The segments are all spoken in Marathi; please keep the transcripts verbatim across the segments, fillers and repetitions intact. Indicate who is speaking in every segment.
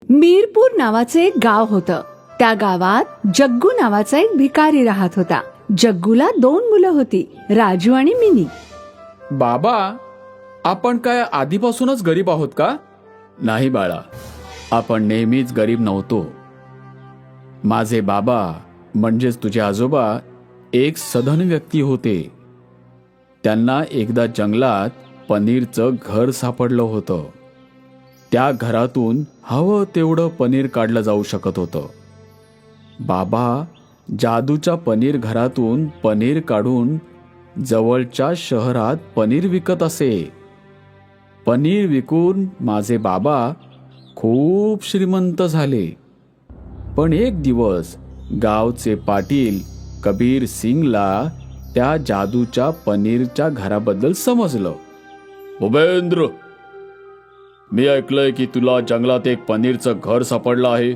Speaker 1: मीरपूर नावाचे एक गाव होतं. त्या गावात जग्गू नावाचा एक भिकारी राहत होता. जग्गूला दोन मुलं होती, राजू आणि मिनी.
Speaker 2: बाबा, आपण काय आधीपासूनच गरीब आहोत का? नाही बाळा, आपण नेहमीच गरीब नव्हतो. माझे बाबा म्हणजेच तुझे आजोबा एक सधन व्यक्ती होते. त्यांना एकदा जंगलात पनीरचं घर सापडलं होतं. त्या घरातून हवं तेवढं पनीर काढलं जाऊ शकत होतं. बाबा जादूच्या पनीर घरातून पनीर काढून जवळच्या शहरात पनीर विकत असे. पनीर विकून माझे बाबा खूप श्रीमंत झाले. पण एक दिवस गावचे पाटील कबीर सिंगला त्या जादूच्या पनीरच्या घराबद्दल समजलं. भूपेंद्र, मी ऐकलंय की तुला जंगलात एक पनीरचं घर सापडलं आहे.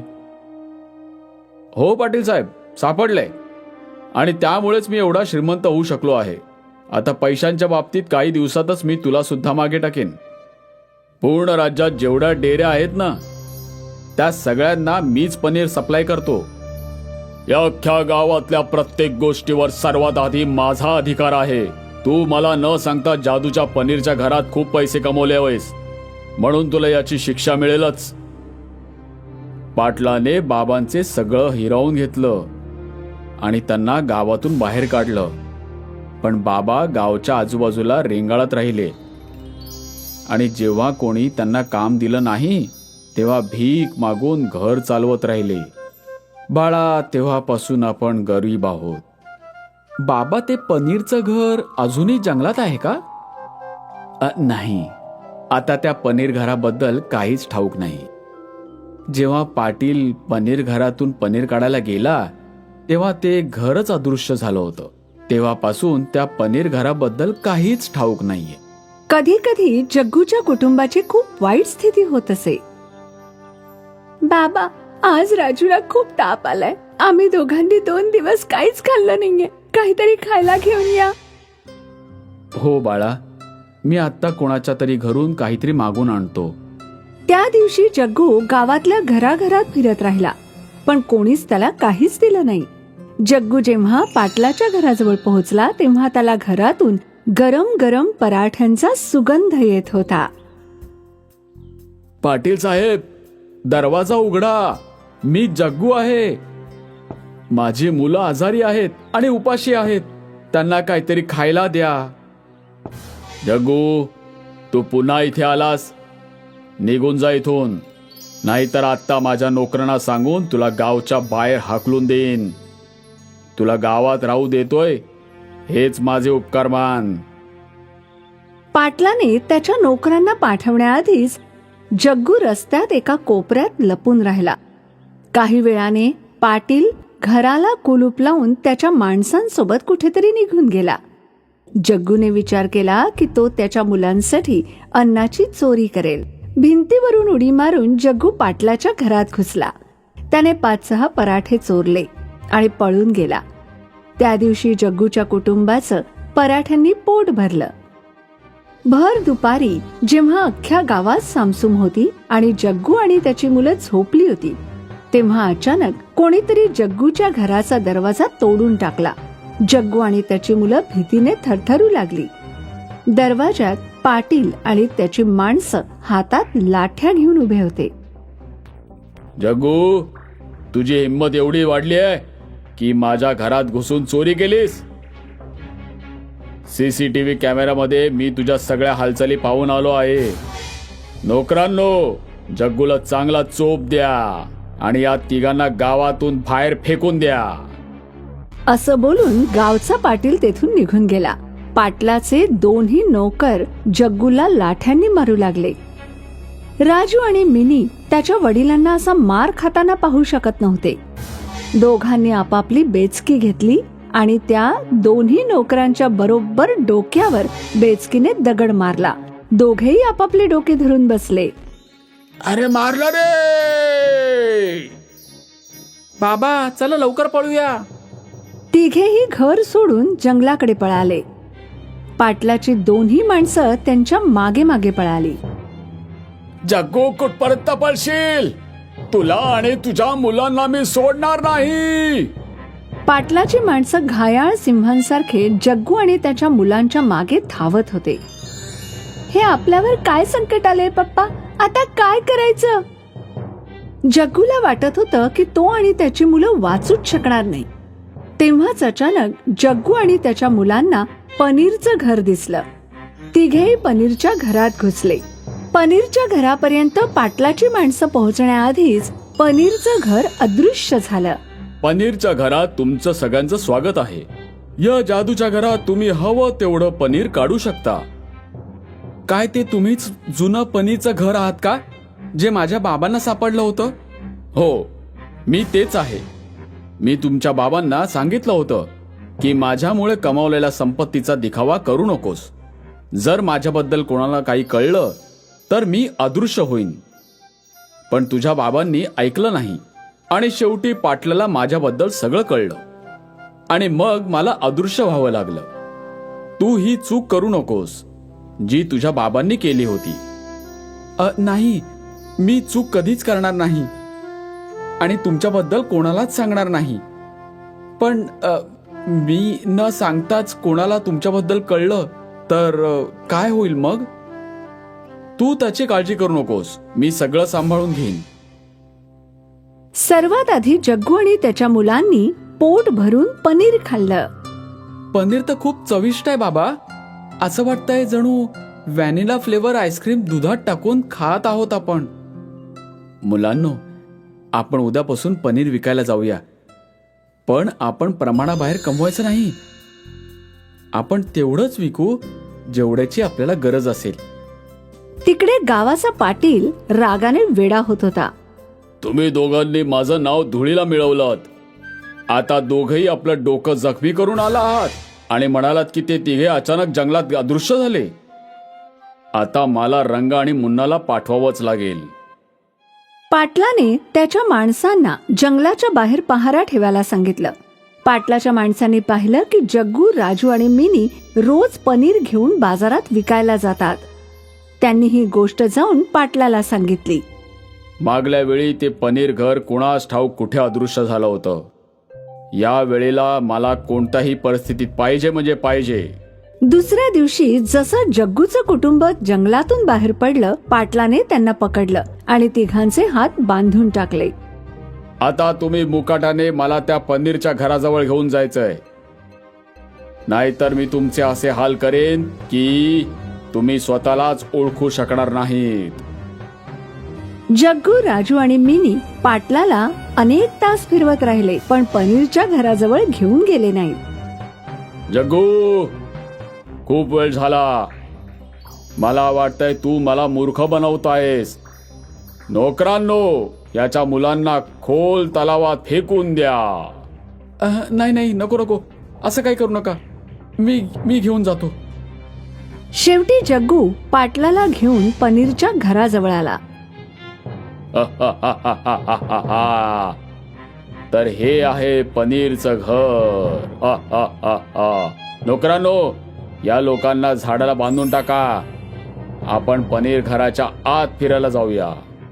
Speaker 2: हो पाटील साहेब, सापडलंय. आणि त्यामुळेच मी एवढा श्रीमंत होऊ शकलो आहे. आता पैशांच्या बाबतीत काही दिवसातच मी तुला सुद्धा मागे टाकेन. पूर्ण राज्यात जेवढ्या डेऱ्या आहेत ना, त्या सगळ्यांना मीच पनीर सप्लाय करतो. या अख्ख्या गावातल्या प्रत्येक गोष्टीवर सर्वात आधी माझा अधिकार आहे. तू मला न सांगता जादूच्या पनीरच्या घरात खूप पैसे कमवले आहेस, म्हणून तुला याची शिक्षा मिळेलच. पाटलाने बाबांचे सगळं हिरावून घेतलं आणि त्यांना गावातून बाहेर काढलं. पण बाबा गावच्या आजूबाजूला रेंगाळत राहिले आणि जेव्हा कोणी त्यांना काम दिलं नाही तेव्हा भीक मागून घर चालवत राहिले. बाळा, तेव्हापासून आपण गरीब आहोत. बाबा, ते पनीरचं घर अजूनही जंगलात आहे का? अ, नाही, आता त्या पनीर घराबद्दल काहीच ठाऊक नाही. जेव्हा पाटील पनीर घरातून पनीर काढायला गेला तेव्हा ते घरच अदृश्य झालं होतं. तेव्हापासून त्या पनीर घराबद्दल काहीच ठाऊक नाहीये.
Speaker 1: कधी कधी जग्गूच्या कुटुंबाची खूप वाईट स्थिती होत असे. बाबा, आज राजूला खूप ताप आलाय. आम्ही दोघांनी दोन दिवस काहीच खाल्लं नाहीये. काहीतरी खायला घेऊन या.
Speaker 2: हो बाळा, मी आत्ता कोणाच्या तरी घरून काहीतरी मागून आणतो.
Speaker 1: त्या दिवशी जग्गू गावातल्या घराघरात फिरत राहिला, पण कोणीच त्याला काहीच दिलं नाही. जग्गू जेव्हा पाटलाच्या घराजवळ पोहोचला तेव्हा त्याला घरातून गरम गरम पराठ्यांचा सुगंध येत होता.
Speaker 2: पाटील साहेब, दरवाजा उघडा. मी जग्गू आहे. माझी मुलं आजारी आहेत आणि उपाशी आहेत. त्यांना काहीतरी खायला द्या. जग्गू, तू पुन्हा इथे आलास, निघून जा इथून, नाहीतर आत्ता माझ्या नोकरांना सांगून तुला गावच्या बाहेर हाकलून देईन. तुला गावात राहू देतोय हेच माझे उपकार मान.
Speaker 1: पाटलाने त्याच्या नोकरांना पाठवण्याआधीच जग्गू रस्त्यात एका कोपऱ्यात लपून राहिला. काही वेळाने पाटील घराला कुलूप लावून त्याच्या माणसांसोबत कुठेतरी निघून गेला. जग्गूने विचार केला की तो त्याच्या मुलांसाठी अन्नाची चोरी करेल. भिंतीवरून उडी मारून जग्गू पाटलाच्या घरात घुसला. त्याने पाच सहा पराठे चोरले आणि पळून गेला. त्या दिवशी जग्गूच्या कुटुंबाचं पराठ्यांनी पोट भरलं. भर दुपारी जेव्हा अख्ख्या गावात सामसूम होती आणि जग्गू आणि त्याची मुलं झोपली होती तेव्हा अचानक कोणीतरी जग्गूच्या घराचा दरवाजा तोडून टाकला. जग्गू आणि त्याची मुलं भीतीने थरथरू लागली. दरवाजात पाटील आणि त्याची माणसं हातात लाठ्या घेऊन उभे होते.
Speaker 2: जग्गू, तुझी हिंमत एवढी वाढली आहे की माझ्या घरात घुसून चोरी केलीस? सीसीटीव्ही कॅमेऱ्यामध्ये मी तुझ्या सगळ्या हालचाली पाहून आलो आहे. नोकरांनो, जग्गूला चांगला चोप द्या आणि या तिघांना गावातून बाहेर फेकून द्या.
Speaker 1: असं बोलून गावचा पाटील तेथून निघून गेला. पाटलाचे दोन्ही नोकर जग्गूला लाठ्यांनी मारू लागले. राजू आणि मिनी त्याच्या वडिलांना असा मार खाताना पाहू शकत नव्हते. दोघांनी आपापली बेचकी घेतली आणि त्या दोन्ही नोकरांच्या बरोबर डोक्यावर बेचकीने दगड मारला. दोघेही आपापले डोके धरून बसले.
Speaker 2: अरे मारला रे! बाबा, चला लवकर पळूया.
Speaker 1: तिघेही घर सोडून जंगलाकडे पळाले. पाटलाची दोन्ही माणसं त्यांच्या मागे मागे पळाली.
Speaker 2: जग्गू, कुठपर्यंत पळशील? तुला आणि तुझ्या मुलांना मी सोडणार नाही.
Speaker 1: पाटलाची माणसं घायाळ सिंहांसारखे जग्गू आणि त्याच्या मुलांच्या मागे धावत होते. हे आपल्यावर काय संकट आले पप्पा, आता काय करायचं? जग्गूला वाटत होतं की तो आणि त्याची मुलं वाचूच शकणार नाही. तेव्हाच अचानक जग्गू आणि त्याच्या मुलांना पनीरचं घर दिसलं. तिघेही पनीरच्या घरात घुसले. पनीरच्या घरापर्यंत पाटलाची माणसं पोहोचण्याआधीच पनीरचं घर अदृश्य झालं.
Speaker 2: पनीरच्या घरात तुमचं सगळ्यांचं स्वागत आहे. या जादूच्या घरात तुम्ही हवं तेवढं पनीर काढू शकता. काय ते तुम्हीच जुनं पनीरचं घर आहात का, जे माझ्या बाबांना सापडलं होतं? हो, मी तेच आहे. मी तुमच्या बाबांना सांगितलं होतं की माझ्यामुळे कमावलेल्या संपत्तीचा दिखावा करू नकोस. जर माझ्याबद्दल कोणाला काही कळलं तर मी अदृश्य होईन. पण तुझ्या बाबांनी ऐकलं नाही आणि शेवटी पाटलाला माझ्याबद्दल सगळं कळलं आणि मग मला अदृश्य व्हावं लागलं. तू ही चूक करू नकोस जी तुझ्या बाबांनी केली होती. अ, नाही, मी चूक कधीच करणार नाही आणि तुमच्याबद्दल कोणालाच सांगणार नाही. पण अ, मी न सांगताच कोणाला तुमच्याबद्दल कळलं तर अ, काय होईल मग? तू त्याची काळजी करू नकोस, मी सगळं सांभाळून घेईन.
Speaker 1: सर्वात आधी जग्गू आणि त्याच्या मुलांनी पोट भरून पनीर खाल्लं.
Speaker 2: पनीर तर खूप चविष्ट आहे बाबा. असं वाटतंय जणू व्हॅनिला फ्लेवर आईस्क्रीम दुधात टाकून खात आहोत आपण. मुलांनो, आपण उद्यापासून पनीर विकायला जाऊया. पण आपण प्रमाणाबाहेर कमवायचं नाही. आपण तेवढंच विकू जेवढ्याची आपल्याला गरज असेल.
Speaker 1: तिकडे गावाचा पाटील रागाने वेडा होत होता.
Speaker 2: तुम्ही दोघांनी माझं नाव धुळीला मिळवलं. आता दोघही आपलं डोकं जखमी करून आला आहात आणि म्हणालात की ते तिघे अचानक जंगलात अदृश्य झाले. आता मला रंग आणि मुन्नाला पाठवावंच लागेल.
Speaker 1: पाटलाने त्याच्या माणसांना जंगलाच्या बाहेर पहारा ठेवायला सांगितलं. पाटलाच्या माणसांनी पाहिलं की जग्गू, राजू आणि मिनी रोज पनीर घेऊन बाजारात विकायला जातात. त्यांनी ही गोष्ट जाऊन पाटलाला सांगितली.
Speaker 2: मागल्या वेळी ते पनीर घर कुणास ठाऊक कुठे अदृश्य झालं होतं. या वेळेला मला कोणत्याही परिस्थितीत पाहिजे म्हणजे पाहिजे.
Speaker 1: दुसऱ्या दिवशी जसं जग्गूचं कुटुंब जंगलातून बाहेर पडलं, पाटलाने त्यांना पकडलं आणि तिघांचे हात बांधून टाकले.
Speaker 2: आता तुम्ही मुकाटाने मला त्या पनीरच्या घराजवळ घेऊन जायचंय, नाहीतर मी तुमचे असे हाल करेन की तुम्ही स्वतःलाच ओळखू शकणार नाहीत.
Speaker 1: जग्गू, राजू आणि मिनी पाटलाला अनेक तास फिरवत राहिले, पण पनीरच्या घराजवळ घेऊन गेले नाहीत.
Speaker 2: जग्गू, खूप वेळ झाला. मला वाटतंय तू मला मूर्ख बनवतायस. नोकरांनो, याच्या मुलांना खोल तलावात फेकून द्या. नाही नाही, नको नको, असं काही करू नका. मी मी घेऊन जातो.
Speaker 1: शेवटी जग्गू पाटलाला घेऊन पनीरच्या घराजवळ आला.
Speaker 2: तर हे आहे पनीरचं घर. नोकरांनो, या लोकांना झाडाला बांधून टाका. आपण पनीर घराच्या आत फिरायला जाऊया.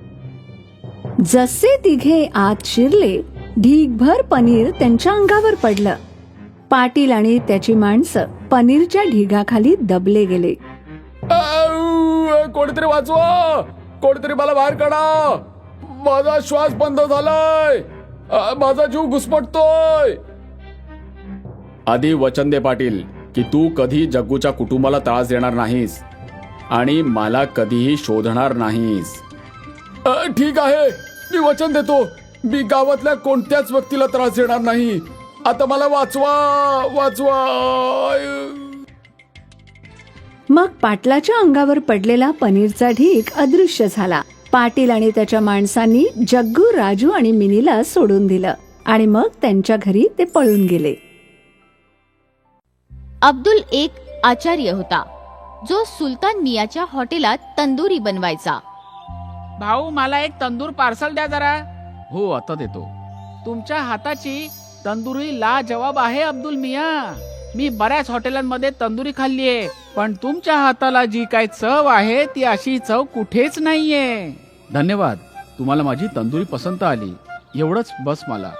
Speaker 1: जसे तिघे आत शिरले, ढीगभर पनीर त्यांच्या अंगावर पडलं. पाटील आणि त्याची माणसं पनीरच्या ढिगाखाली दबले गेले.
Speaker 2: कोणीतरी वाचवा, कोणीतरी मला बाहेर काढा. माझा श्वास बंद झालाय. माझा जीव घुसमटतोय. आधी वचन दे पाटील की तू कधी जग्गूच्या कुटुंबाला त्रास देणार नाहीस आणि मला कधीही शोधणार नाहीस. ठीक आहे, मी वचन देतो. मी गावातल्या कोणत्याच व्यक्तीला त्रास देणार नाही. आता मला वाचवा, वाचवा.
Speaker 1: मग पाटलाच्या अंगावर पडलेला पनीरचा ढीग अदृश्य झाला. पाटील आणि त्याच्या माणसांनी जग्गू, राजू आणि मिनीला सोडून दिलं आणि मग त्यांच्या घरी ते पळून गेले.
Speaker 3: अब्दुल एक आचार्य होता जो सुलतान मियाच्या हॉटेलात तंदुरी बनवायचा.
Speaker 4: भाऊ, मला एक तंदूर पार्सल द्या जरा.
Speaker 2: हो, आता देतो.
Speaker 4: तुमच्या हाताची तंदुरी लाजवाब आहे अब्दुल मिया. मी बऱ्याच हॉटेलांमध्ये तंदुरी खाल्लीये, पण तुमच्या हाताला जी काय चव आहे ती अशी चव कुठेच नाहीये.
Speaker 2: धन्यवाद. तुम्हाला माझी तंदुरी पसंत आली, एवढंच बस मला.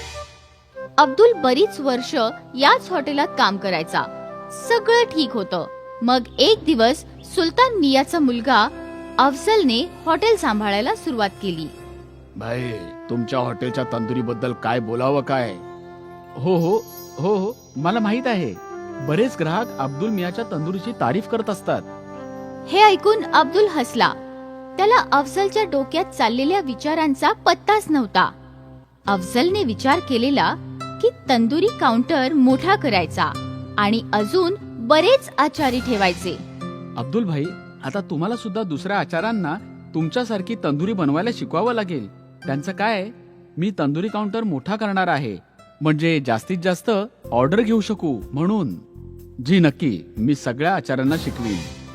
Speaker 3: अब्दुल बरीच वर्ष याच हॉटेलात काम करायचा. सगळं ठीक होतं. मग एक दिवस सुलतान मियाचा मुलगा अफजलने हॉटेल सांभाळायला सुरुवात केली.
Speaker 2: भाई, तुमच्या हॉटेलच्या तंदुरी बद्दल काय बोलावं काय? हो हो हो हो मला माहित आहे. बरेच ग्राहक अब्दुल मियाच्या तंदुरीची तारीफ करत असतात.
Speaker 3: हे ऐकून अब्दुल हसला. त्याला अफजलच्या डोक्यात चाललेल्या विचारांचा पत्ताच नव्हता. अफजलने विचार केलेला की तंदुरी काउंटर मोठा करायचा आणि अजून बरेच आचारी ठेवायचे.
Speaker 2: अब्दुल भाई, आता तुम्हाला सुद्धा दुसऱ्या आचारांना तुमच्यासारखी तंदुरी बनवायला शिकवावं लागेल. त्यांचं काय, मी तंदुरी काउंटर मोठा करणार आहे, म्हणजे जास्तीत जास्त ऑर्डर घेऊ शकू म्हणून. जी नक्की, मी सगळ्या आचार्यांना शिकवीन.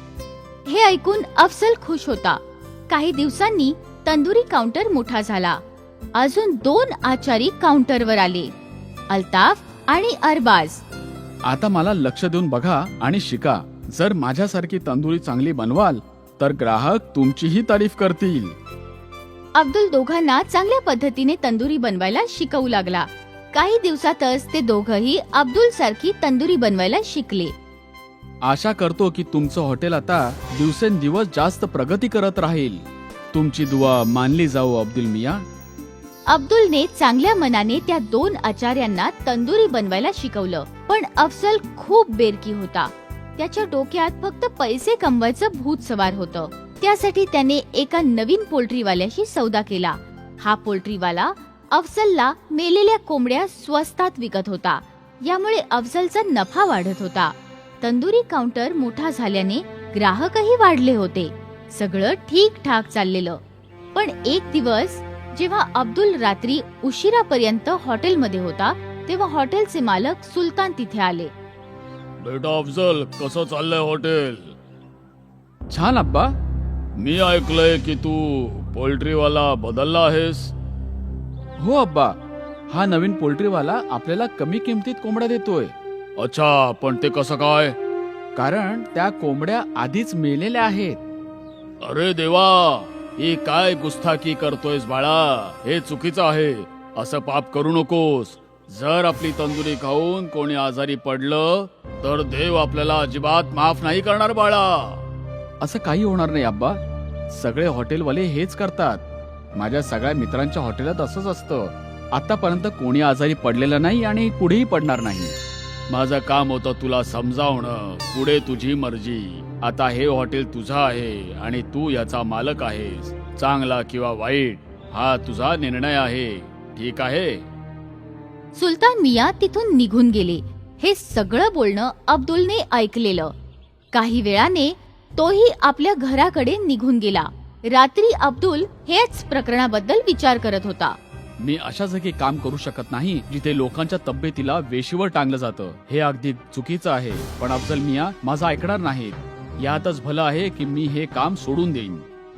Speaker 3: हे ऐकून अफजल खुश होता. काही दिवसांनी तंदुरी काउंटर मोठा झाला. अजून दोन आचारी काउंटरवर आले, अल्ताफ आणि अरबाज.
Speaker 2: आता मला लक्ष देऊन बघा आणि शिका. जर माझ्यासारखी तंदुरी चांगली बनवाल तर ग्राहक तुमचीही तारीफ करतील.
Speaker 3: अब्दुल दोघांना चांगल्या पद्धतीने तंदुरी बनवायला शिकवू लागला. काही दिवसातच ते दोघही अब्दुल सारखी तंदुरी बनवायला शिकले.
Speaker 2: आशा करतो की तुमचं हॉटेल आता दिवसेंदिवस जास्त प्रगती करत राहील. तुमची दुआ मानली जाऊ अब्दुल मिया.
Speaker 3: अब्दुलने चांगल्या मनाने त्या दोन आचार्यांना तंदुरी बनवायला शिकवलं. पण अफजल खूप बेरकी होता. त्याच्या डोक्यात फक्त पैसे कमवायचं भूत सवार होतं. त्यासाठी त्याने एका नवीन पोल्ट्रीवाल्याशी सौदा केला. हा पोल्ट्रीवाला अफजलला मेलेल्या कोंबड्या स्वस्तात विकत होता. यामुळे अफजलचा नफा वाढत होता. तंदुरी काउंटर मोठा झाल्याने ग्राहकही वाढले होते. सगळं ठीक ठाक चाललेलं. पण एक दिवस जेव्हा अब्दुल रात्री उशिरापर्यंत हॉटेलमध्ये होता, तेव्हा हॉटेलचे मालक सुलतान तिथे आले.
Speaker 5: बेटा अफजल, कसं चाललंय हॉटेल?
Speaker 2: छान अब्बा.
Speaker 5: मी ऐकलंय की तू पोल्ट्रीवाला बदलला आहेस.
Speaker 2: हो अब्बा, हा नवीन पोल्ट्रीवाला आपल्याला कमी किमतीत कोंबड्या देतोय.
Speaker 5: अच्छा, पण ते कसं काय?
Speaker 2: कारण त्या कोंबड्या आधीच मेलेल्या आहेत.
Speaker 5: अरे देवा, ही काय गुस्ताखी करतोयस बाळा? हे चुकीचं आहे. असं पाप करू नकोस. जर आपली तंदुरी खाऊन कोणी आजारी पडलं तर देव आपल्याला अजिबात माफ नाही करणार बाळा.
Speaker 2: असं काही होणार नाही अब्बा. सगळे हॉटेलवाले हेच करतात. माझ्या सगळ्या मित्रांच्या हॉटेलात असंच असतं. आतापर्यंत कोणी आजारी पडलेलं नाही आणि पुढेही पडणार नाही.
Speaker 5: माझं काम होतं तुला समजावणं. पुढे तुझी मर्जी. आता हे हॉटेल तुझं आहे आणि तू याचा मालक आहेस. चांगला किंवा वाईट हा तुझा निर्णय आहे. ठीक आहे?
Speaker 3: सुलतान मिया तिथून निघून गेले. हे सगळं बोलणं अब्दुलने ऐकलेलं. काही वेळाने तोही आपल्या घराकडे निघून गेला. रात्री अब्दुल हेच प्रकरणाबद्दल विचार करत होता.
Speaker 2: मी अशा जागी काम करू शकत नाही जिथे लोकांच्या तब्येतीला वेशीवर टांगलं जातं. हे अगदी चुकीचं आहे. पण अफजल मिया माझं ऐकणार नाहीत. यातच भलं आहे की मी हे काम सोडून देईन.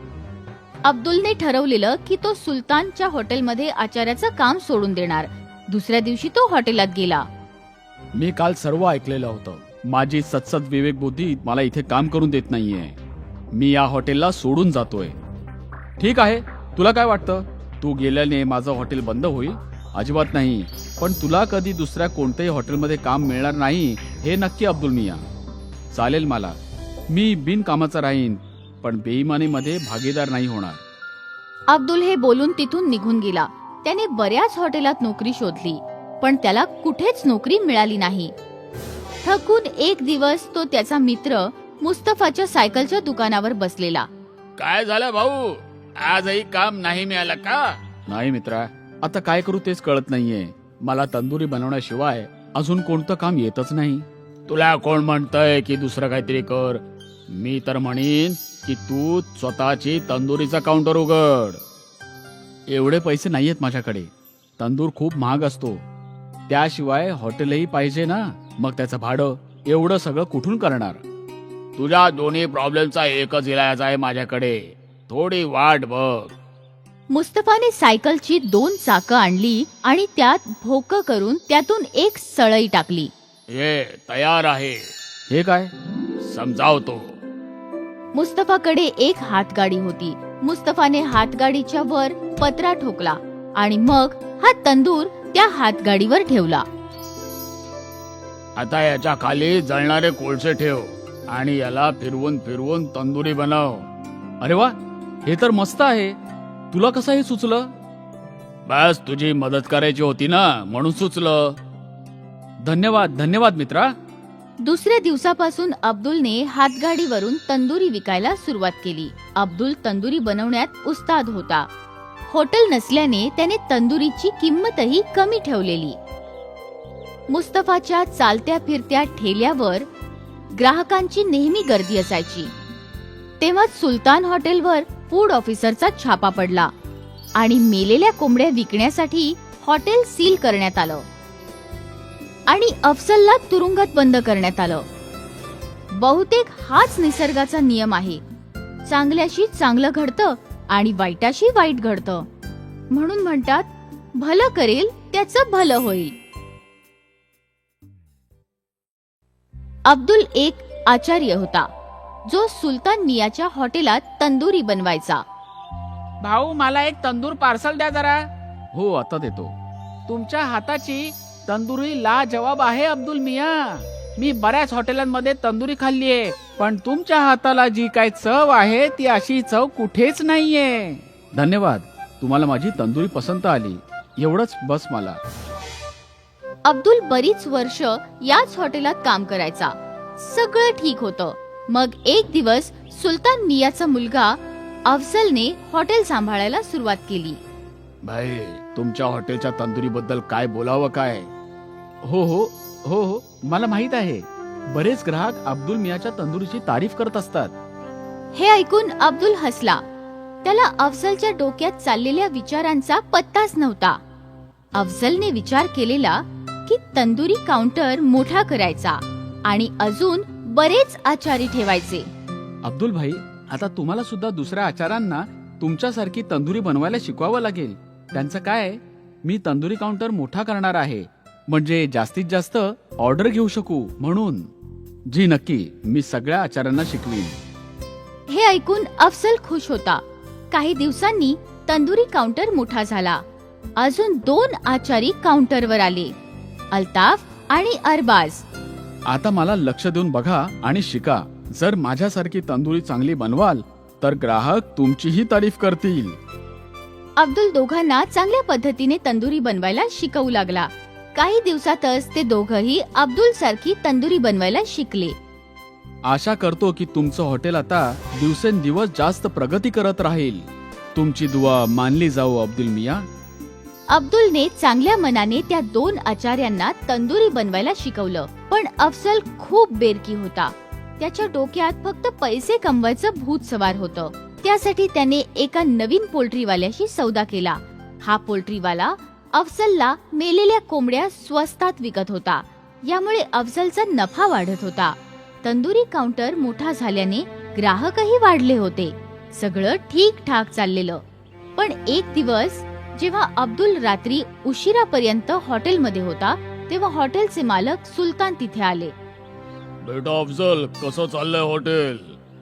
Speaker 3: अब्दुलने ठरवलेलं की तो सुलतानच्या हॉटेलमध्ये आचार्याचं काम सोडून देणार. दुसऱ्या दिवशी तो हॉटेलात गेला.
Speaker 2: मी काल सर्व ऐकलेलं होतं. माझी सत्सद विवेक बुद्धी मला इथे काम करून देत नाहीये. मी या हॉटेलला सोडून जातोय. ठीक आहे, तुला काय वाटतं? तू गेल्याने माझं हॉटेल बंद होईल? अजिबात नाही. पण तुला कधी दुसऱ्या कोणत्याही हॉटेलमध्ये काम मिळणार नाही हे नक्की अब्दुल मिया. चालेल मला. मी बिनकामाचा राहीन, पण बेईमानीमध्ये भागीदार नाही होणार.
Speaker 3: अब्दुल हे बोलून तिथून निघून गेला. त्याने बऱ्याच हॉटेलात नोकरी शोधली, पण त्याला कुठेच नोकरी मिळाली नाही. थकून एक दिवस तो त्याचा मित्र मुस्तफाच्या सायकलच्या दुकानावर बसलेला.
Speaker 5: काय झालं भाऊ? आजही काम नाही मिळालं का?
Speaker 2: नाही मित्रा, आता काय करू तेच कळत नाहीये. मला तंदुरी बनवण्याशिवाय अजून कोणतं काम येतच नाही.
Speaker 5: तुला कोण म्हणतंय की दुसरं काहीतरी कर? मी तर म्हणीन की तू स्वतःची तंदुरीचा काउंटर उघड.
Speaker 2: एवढे पैसे नाहीयेत माझ्याकडे. तंदूर खूप महाग असतो. त्याशिवाय हॉटेलही पाहिजे ना. मग त्याचं भाडं एवढं सगळं कुठून करणार?
Speaker 5: तुझ्या दोन्ही प्रॉब्लेमचा एकच इलाज आहे माझ्याकडे. थोडी वाट बघ.
Speaker 3: मुस्तफाने सायकलची दोन चाकं आणली आणि त्यात भोकं करून त्यातून एक सळई टाकली.
Speaker 5: हे तयार आहे.
Speaker 2: हे काय?
Speaker 5: समजावतो.
Speaker 3: मुस्तफाकडे एक हातगाडी होती. मुस्तफाने हातगाडीच्या वर पत्रा ठोकला आणि मग हा तंदूर त्या हातगाडीवर ठेवला.
Speaker 5: आता याच्या खाली जळणारे कोळसे ठेव आणि याला फिरवून फिरवून तंदुरी बनव.
Speaker 2: अरे वा, हे तर मस्त आहे. तुला कसं हे सुचलं?
Speaker 5: बस तुझी मदत करायची होती ना, म्हणून सुचलं.
Speaker 2: धन्यवाद धन्यवाद मित्रा.
Speaker 3: दुसऱ्या दिवसापासून अब्दुलने हातगाडीवरून तंदुरी विकायला सुरुवात केली. अब्दुल तंदुरी बनवण्यात उस्ताद होता. हॉटेल नसल्याने त्याने तंदुरीची किंमतही कमी ठेवलेली. मुस्तफाच्या चालत्या फिरत्या ठेल्यावर ग्राहकांची नेहमी गर्दी असायची. तेव्हा सुलतान हॉटेलवर फूड ऑफिसरचा छापा पडला आणि मेलेल्या कोंबड्या विकण्यासाठी हॉटेल सील करण्यात आलं आणि अफसलला तुरुंगात बंद करण्यात आलं. बहुतेक हाच निसर्गाचा नियम आहे. चांगल्याशी चांगलं घडतं आणि वाईटाशी वाईट घडतं. म्हणून म्हणतात, भलं करेल त्याचं भलं होईल. अब्दुल एक आचार्य होता जो सुलतान मियाच्या हॉटेलात तंदुरी बनवायचा.
Speaker 4: भाऊ, मला एक तंदूर पार्सल द्या जरा.
Speaker 2: हो, आता देतो.
Speaker 4: तुमच्या हाताची तंदुरी ला जवाब आहे अब्दुल मिया. मी बऱ्याच हॉटेलांमध्ये तंदुरी खाल्लीये, पण तुमच्या हाताला जी काय चव आहे ती अशी चव कुठेच नाहीये.
Speaker 2: धन्यवाद. तुम्हाला माझी तंदुरी पसंत आली, एवढंच बस मला.
Speaker 3: अब्दुल बरीच वर्ष याच हॉटेलात काम करायचा. सगळं ठीक होतं. मग एक दिवस सुलतान मियाचा मुलगा अफजलने हॉटेल सांभाळायला सुरुवात केली.
Speaker 5: भाई, तुमच्या हॉटेलच्या तंदुरी बद्दल काय बोलावं काय?
Speaker 2: हो हो हो हो मला माहित आहे. बरेच ग्राहक अब्दुल मियाच्या तंदुरीची तारीफ करत असतात.
Speaker 3: हे ऐकून अब्दुल हसला. त्याला अफजलच्या डोक्यात चाललेल्या विचारांचा पत्ताच नव्हता. अफजलने विचार केलेला की तंदुरी काउंटर मोठा करायचा आणि अजून बरेच आचारी ठेवायचे.
Speaker 2: अब्दुल भाई, आता तुम्हाला सुद्धा दुसऱ्या आचारांना तुमच्यासारखी तंदुरी बनवायला शिकवावं लागेल. त्यांचं काय, मी तंदुरी काउंटर मोठा करणार आहे, म्हणजे जास्तीत जास्त ऑर्डर घेऊ शकू म्हणून. जी नक्की, मी सगळ्या आचार्यांना शिकवीन.
Speaker 3: हे ऐकून अफजल खुश होता. काही दिवसांनी तंदुरी काउंटर मोठा झाला. अजून दोन आचारी काउंटरवर आले, अल्ताफ आणि अरबाज.
Speaker 2: आता मला लक्ष देऊन बघा आणि शिका. जर माझ्यासारखी तंदुरी चांगली बनवाल तर ग्राहक तुमचीही तारीफ करतील.
Speaker 3: अब्दुल दोघांना चांगल्या पद्धतीने तंदुरी बनवायला शिकवू लागला. काही दिवसातच ते दोघंही अब्दुल सारखी तंदुरी बनवायला शिकले.
Speaker 2: आशा करतो की तुमचं हॉटेल आता दिवसेंदिवस जास्त प्रगती करत राहील. तुमची दुआ मानली जाऊ अब्दुल मिया.
Speaker 3: अब्दुलने चांगल्या मनाने त्या दोन आचार्यांना तंदुरी बनवायला शिकवलं. पण अफजल खूप बेरकी होता. त्याच्या डोक्यात फक्त पैसे कमवायचं भूत सवार होतं. त्यासाठी त्याने एका नवीन पोल्ट्रीवाल्याशी सौदा केला. हा पोल्ट्रीवाला अफजलला मेलेल्या कोंबड्या स्वस्तात विकत होता. यामुळे अफजलचा नफा वाढत होता. तंदुरी काउंटर मोठा झाल्याने ग्राहकही वाढले होते. सगळं ठीक ठाक चाललेलं. पण एक दिवस जेव्हा अब्दुल रात्री उशिरापर्यंत हॉटेलमध्ये होता, तेव्हा हॉटेलचे मालक सुलतान तिथे आले.
Speaker 5: बेटा अफजल, कसं चाललंय हॉटेल?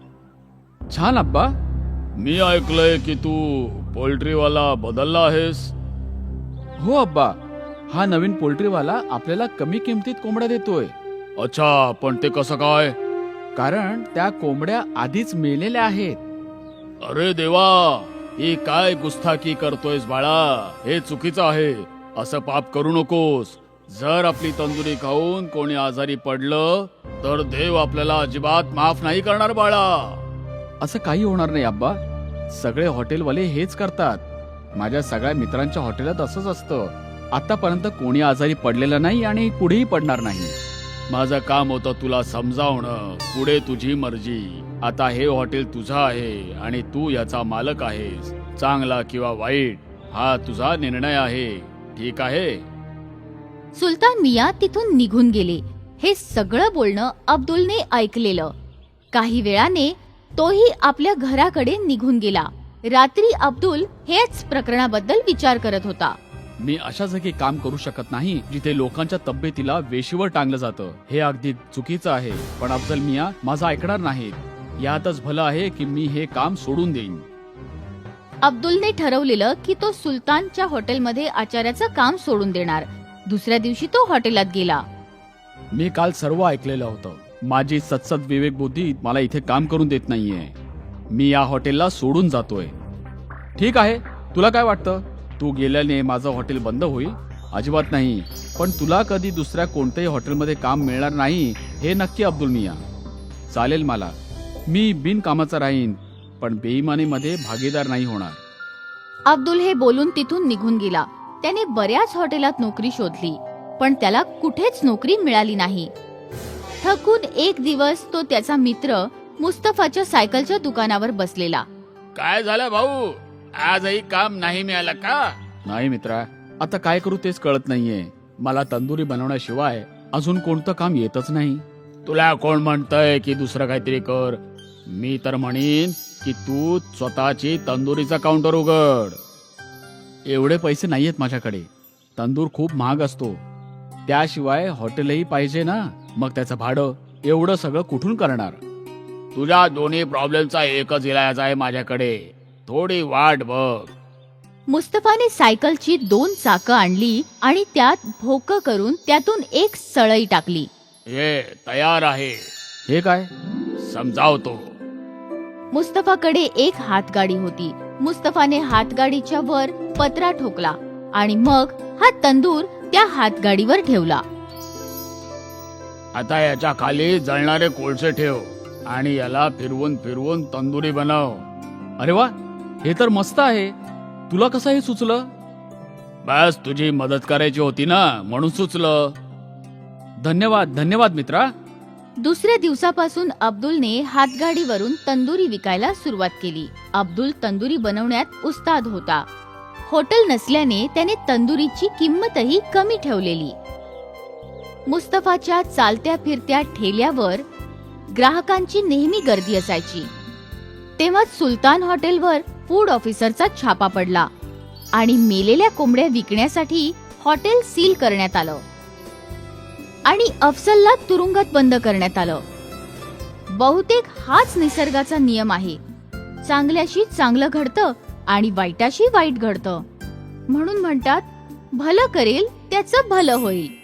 Speaker 2: छान अब्बा.
Speaker 5: मी ऐकलंय की तू पोल्ट्रीवाला बदलला आहेस.
Speaker 2: हो अब्बा, हा नवीन पोल्ट्रीवाला आपल्याला कमी किमतीत कोंबड्या देतोय.
Speaker 5: अच्छा, पण ते कसं काय?
Speaker 2: कारण त्या कोंबड्या आधीच मेलेल्या आहेत.
Speaker 5: अरे देवा, ही काय गुस्ताखी करतोयस बाळा? हे चुकीचं आहे. असं पाप करू नकोस. जर आपली तंदुरी खाऊन कोणी आजारी पडलं तर देव आपल्याला अजिबात माफ नाही करणार बाळा.
Speaker 2: असं काही होणार नाही अब्बा. सगळे हॉटेलवाले हेच करतात. माझ्या सगळ्या मित्रांच्या हॉटेलात असंच असतं. आतापर्यंत कोणी आजारी पडलेलं नाही आणि पुढेही पडणार नाही.
Speaker 5: माझं काम होतं तुला समजावणं. पुढे तुझी मर्जी. आता हे हॉटेल तुझं आहे आणि तू याचा मालक आहेस. चांगला किंवा वाईट हा तुझा निर्णय आहे. ठीक आहे?
Speaker 3: सुलतान मिया तिथून निघून गेले. हे सगळं बोलणं अब्दुलने ऐकलेलं. काही वेळाने तोही आपल्या घराकडे निघून गेला. रात्री अब्दुल हेच प्रकरणाबद्दल विचार करत होता.
Speaker 2: मी अशा जागी काम करू शकत नाही जिथे लोकांच्या तब्येतीला वेशीवर टांगलं जातं. हे अगदी चुकीचं आहे. पण अफजल मिया माझं ऐकणार नाहीत. यातच भलं आहे की मी हे काम सोडून देईन.
Speaker 3: अब्दुलने ठरवलेलं की तो सुलतानच्या हॉटेलमध्ये आचार्याचं काम सोडून देणार. दुसऱ्या दिवशी तो हॉटेलात गेला.
Speaker 2: मी काल सर्व ऐकलेलं होतं. माझी सतसत विवेक बुद्धी मला इथे काम करून देत नाहीये. मी या हॉटेलला सोडून जातोय. ठीक आहे, तुला काय वाटतं? तू गेल्याने माझं हॉटेल बंद होईल? अजिबात नाही. पण तुला कधी दुसऱ्या कोणत्याही हॉटेलमध्ये काम मिळणार नाही हे नक्की अब्दुल मिया. चालेल मला. मी बिनकामाचा राहीन, पण बेईमानीमध्ये भागीदार नाही होणार.
Speaker 3: अब्दुल हे बोलून तिथून निघून गेला. त्याने बऱ्याच हॉटेलात नोकरी शोधली, पण त्याला कुठेच नोकरी मिळाली नाही. थकून एक दिवस तो त्याचा मित्र मुस्तफाच्या सायकलच्या दुकानावर बसलेला.
Speaker 5: काय झालं भाऊ, आजही काम नाही मिळालं का?
Speaker 2: नाही मित्रा, आता काय करू तेच कळत नाहीये. मला तंदुरी बनवण्याशिवाय अजून कोणतं काम येतच नाही.
Speaker 5: तुला कोण म्हणतंय की दुसरं काहीतरी कर? मी तर म्हणीन की तू स्वतःची तंदुरीचा काउंटर उघड.
Speaker 2: एवढे पैसे नाहीयेत माझ्याकडे. तंदूर खूप महाग असतो. त्याशिवाय हॉटेलही पाहिजे ना. मग त्याचं भाडं एवढं सगळं कुठून करणार?
Speaker 5: तुझ्या दोन्ही प्रॉब्लेमचा एकच इलाज आहे माझ्याकडे. थोडी वाट बघ.
Speaker 3: मुस्तफाने सायकलची दोन चाकं आणली आणि त्यात भोकं करून त्यातून एक सळई टाकली.
Speaker 5: हे तयार आहे.
Speaker 2: हे काय?
Speaker 5: समजावतो.
Speaker 3: मुस्तफाकडे एक हातगाडी होती. मुस्तफाने हातगाडीच्या वर पत्रा ठोकला आणि मग हा तंदूर त्या हातगाडीवर ठेवला.
Speaker 5: आता याच्या खाली जळणारे कोळसे ठेव आणि याला फिरवून फिरवून तंदुरी बनव.
Speaker 2: अरे वा, हे तर मस्त आहे. तुला कसं हे सुचलं?
Speaker 5: बस तुझी मदत करायची होती ना, म्हणून सुचलं.
Speaker 2: धन्यवाद धन्यवाद मित्रा.
Speaker 3: दुसऱ्या दिवसापासून अब्दुलने हातगाडीवरून तंदुरी विकायला सुरुवात केली. अब्दुल तंदुरी बनवण्यात उस्ताद होता. हॉटेल नसल्याने त्याने तंदुरीची किंमतही कमी ठेवलेली. मुस्तफाच्या चालत्या फिरत्या ठेल्यावर ग्राहकांची नेहमी गर्दी असायची. तेव्हा सुलतान हॉटेलवर फूड ऑफिसरचा छापा पडला आणि मेलेल्या कोंबड्या विकण्यासाठी हॉटेल सील करण्यात आलं आणि अफसलला तुरुंगात बंद करण्यात आलं. बहुतेक हाच निसर्गाचा नियम आहे. चांगल्याशी चांगलं घडतं आणि वाईटाशी वाईट घडतं. म्हणून म्हणतात, भलं करेल त्याचं भलं होईल.